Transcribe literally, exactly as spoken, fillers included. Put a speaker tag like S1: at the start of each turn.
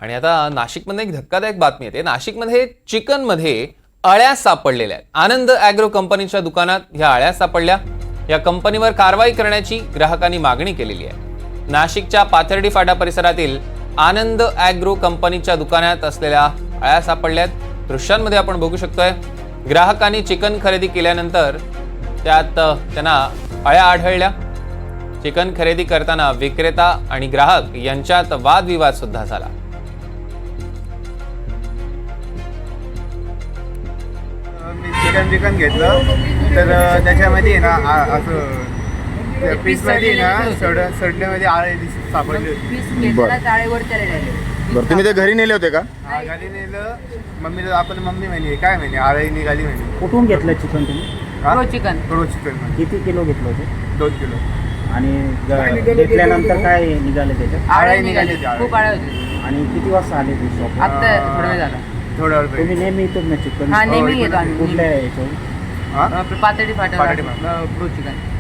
S1: आणि आता नाशिकमध्ये एक धक्कादायक बातमी येते। नाशिकमध्ये चिकनमध्ये अळ्या सापडलेल्या आहेत। आनंद ॲग्रो कंपनीच्या दुकानात ह्या अळ्या सापडल्या। या कंपनीवर कारवाई करण्याची ग्राहकांनी मागणी केलेली आहे। नाशिकच्या पाथर्डी फाटा परिसरातील आनंद ॲग्रो कंपनीच्या दुकानात असलेल्या अळ्या सापडल्या आहेत। दृश्यांमध्ये आपण बघू शकतोय, ग्राहकांनी चिकन खरेदी केल्यानंतर त्यात त्यांना अळ्या आढळल्या। चिकन खरेदी करताना विक्रेता आणि ग्राहक यांच्यात वादविवाद सुद्धा झाला।
S2: मी चिकन चिकन घेतलं तर त्याच्यामध्ये ना असं पीसमध्ये ना सड सडल्यामध्ये आळे सापडले होते।
S3: बरं, तुम्ही ते घरी नेले होते का?
S2: हा, घरी नेलं। मम्मीला आपण मम्मी म्हणे काय म्हणे आळे निघाली म्हणे।
S4: कुठून घेतलं चिकन तुम्ही?
S2: प्रो चिकन प्रो चिकन
S4: किती किलो घेतलं होतं?
S2: दोन किलो।
S4: आणि ग- घेतल्यानंतर काय निघाले त्याच्यात?
S2: आळे निघाले होते,
S5: खूप आळे होते।
S4: आणि किती वाजता आले ते शॉप?
S5: आता थोडा वेळ झाला।
S2: थोडा वेळ
S4: तुम्ही नेहमी येतो ना चिकन?
S5: हा, नेहमी
S2: हो,
S5: येतो आम्ही।
S4: कुठल्या याच्यावर?
S2: हा
S5: पातळी फाटा
S2: पातळी फाटा.
S5: Pro chicken